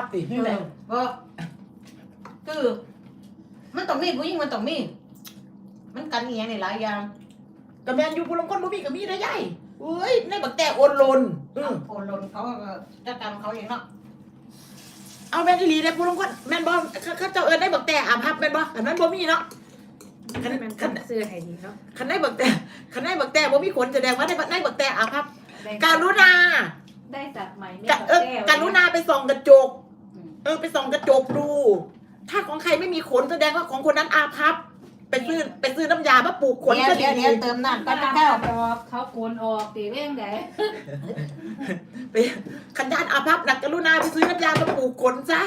ตินี่แหละบ่คือมันต้องมีผู้หญิงมันต้องมีมันกันอีหยังในหลายอย่างกับแมนอยู่ผู้ลงคนบ่มีก็มีได้ยายเอ้ยในบักแต่โอนโลนโอนลนเขาก็จัดการของเขาเองเนาะเอาแมนอีหลีได้ผู้ลงคนแมนบ่เขาเจ้าเอิ้นได้บักแต่อาภัพแม่นบ่อันนั้นบ่มีเนาะคันมันคันเสื้อให้ดีเนาะคันได้บักแต่บ่มีขนแสดงว่าได้บักแต่อาภัพการุณาได้สัตว์ใหม่ไม่การุณาไปส่องกระจกไปส่องกระจกดู ถ้าของใครไม่มีขนแสดงว่าของคนนั้นอาภัพไปซื้อน้ำยามาปลูกขนก็ดีเดี๋ยวเติมน้ำก็ก็จะแก้วออกเขาโกนออกตีเร่งไดไปขันยานอาภัพนักกรุณาไปซื้อน้ำยามาปลูกขนซะ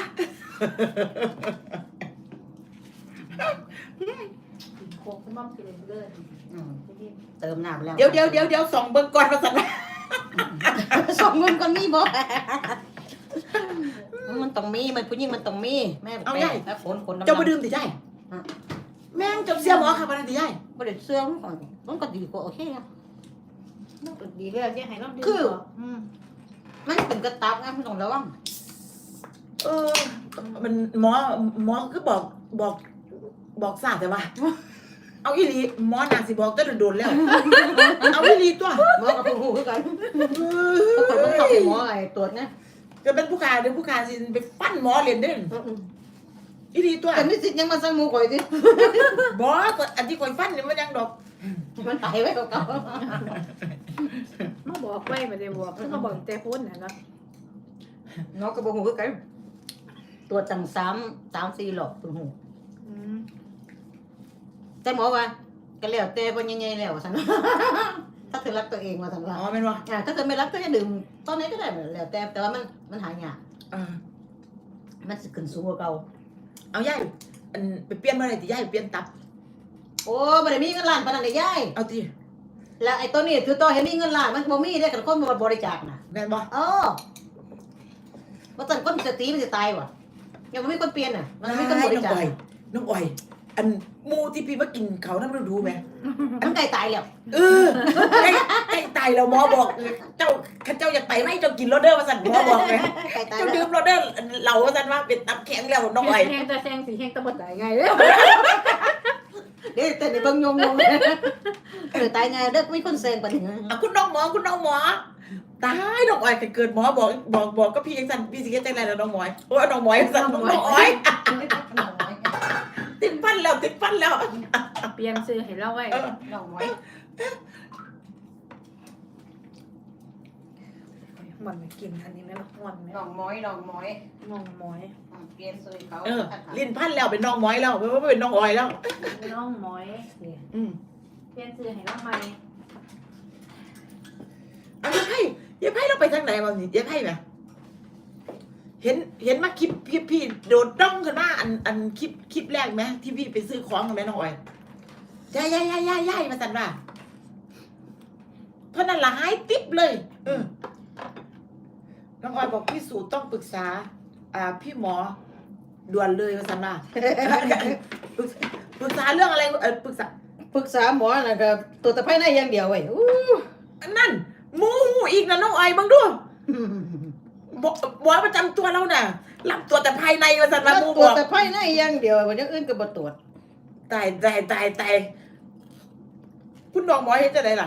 โคกมั่มกินเลยเติมน้ำแล้วเดี๋ยวส่องเบิ่งก่อนมาสั่นว่าสองมันก็มีบ่มันต้องมีมันผู้หญิงมันต้องมีแม่เอาใหญ่แล้วคนเจ้ามาดื่มติใช่แม่งเจ้าเสียหมอค่ะมาติใช่บ่ได้เสื่อมมันก็ดีกว่าโอเคนะดีเลยเนี่ยให้เราดื่มคือมันเป็นกระตับไงมันต้องระวังมันหมอคือบอกซาแต่ว่า เอาอีหลีหมอน่าสิบอกแต่โดนๆแล้ว เอาอีหลีตัวหมอกับผู้คือกันคนมันเข้าไปหมอไอ้ตรวจนะก็เป็นผู้ขาเดี๋ยวผู้ขาสิไปฟันหมอเรียนเด้นอีหลีตัวแต่นี่สิยังมาสั่งหมูข่อยสิบอก็อันที่ข่อยฟันนี่มันยังดอกมันตายไว้เก่ามาบอกไว้มาได้บอกคือมาบอกแต่พ้นน่ะเนาะๆหมอกับผู้คือกันตรวจตั้ง3-4 หลอกตัวหูแต่หมอว่าก็แล้วแต่บ่ใหญ่ๆแล้วซั่น ถ้าเธอรักตัวเองว่าซั่นว่าอ๋อแม่นบ่ถ้าเธอไม่รักก็จะดื่มตอนนี้ก็ได้แล้วแต่ว่ามันหายากมันสิขึ้นสูงกว่าเก่าเอาย่ายอันไปเปลี่ยนมาไหนติย่ายเปลี่ยนตับโอ้บ่ได้มีเงินล้านปานนั้นได้ยายเอาติแล้วไอ้ตัวนี้คือตัวเห็นมีเงินล้านมันบ่มีได้กับคนมาบริจาคน่ะแม่นบ่ว่าซั่นคนสติมันสิตายว่ะยังบ่มีคนเปลี่ยนน่ะมันมีคนบริจาคน้องอ้อยอันหมูที่พี่มากินเขานำดูแม่มันใกล้ตายแล้วใกล้ตายแล้วหมอบอกเจ้าข้าเจ้าอยากไปไหมเจ้ากินโรเดอร์ว่าซั่นหมอบอกแม่ใกล้ตายเจ้าแล้ดื่วมโรเดอร์เหล้าว่าซั่นว่าเป็นตับแข็งแล้วน้องอ้อยแห้งแต่แซงสีแห้งตะบดไหลไงเด้อเด้แต่นี่เบิ่งยงตายไงเด้อมีคนแซงปานนี้คุณน้องหมอตายน้องอ้อยเกิดหมอบอกก็พี่จังซั่นพี่สิเฮ็ดจังได๋ล่ะน้องหมอยโอ้ยน้องหมอยซั่นน้องอ้อยติดฟันแล้วเปลี่ยนซื้อให้เราไว้น้องหมอยมันไม่กินอันนี้ไหมล่ะมันไหมน้องหมอยมองหมอยเปลี่ยนซื้อเขาลิ้นพันแล้วเป็นน้องหมอยแล้วไม่เป็นน้องอ้อยแล้วน้องหมอยเปลี่ยนซื้อให้เราใหม่เอาอย่าไพ่เราไปทางไหนบ้างนี่อย่าไพ่ไหมเห็นมาคลิปพี่โดดด้องขึ้นมาอันคลิปแรกไหมที่พี่ไปซื้อของกับแม่น้องอ้อยย่ายมาสั่นว่าเพราะนั่นละหายติ๊บเลยน้องอ้อยบอกพี่สูต้องปรึกษาพี่หมอด่วนเลยมาสั่นว่าปรึกษาเรื่องอะไรปรึกษาหมอน่ะก็ตัวตะไคร้ในอย่างเดียวเว้ยนั่นมูอีกนะน้องอ้อยบังดูหมอประจำตัวเราน่ะรับตัวแต่ภายในมาสั่นว่ามูบตัวอกตะไคร้ในอย่างเดียววันอย่างอื่นก็บ่ตรวจตายคุณน้องหมอเห็นจะไหนล่ะ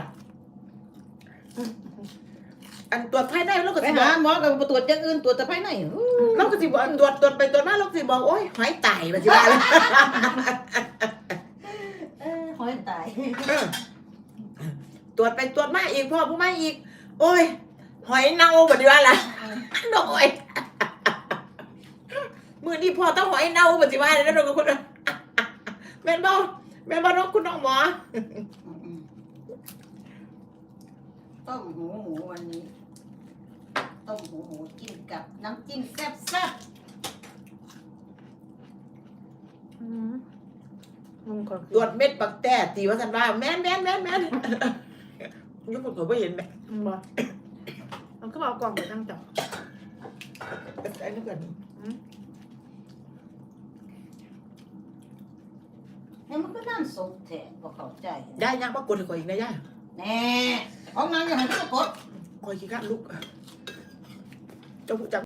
อันตรวจภายในเราก็ไปสิบหาอกหมอก็บ่ตรวจอย่างอื่นตรวจตะไคร้ในเราก็สิบอกตรวจไปตรวจมาเราก็สิบอกโอ๊ยหายตายมาสิว่าเลยหอยตายตรวจไปตรวจมาอีกพ่อผู้มาอีก โอ้ยหอยเน่าแบบนี้ว่าล่ะน้องอ้อยมือนี่พ่อต้องหอยเน่าแบบสิว่าเลยนะน้องคุณแม่นบ่น้องคุณน้องหมอต้มหูหมูวันนี้ต้มหูหมูกินกับน้ำจิ้มแซ่บมึงก่อนตรวจเม็ดปักแต่ตีว่าสันว่าแม่นยุคคนเขาไม่เห็นไหมมึงบอกมันก็บอกกล่องไปตั้งจ่อไอ้นี่ก่อนๆแล้วมันก็น้ำซุปแท้บ่เข้าใจย่าย่างปรากฏให้ข่อยอีกนะย่าแน่ของนางอย่างนั้นก็กดข่อยขี้ข้าลุกเจ้าผู้จับ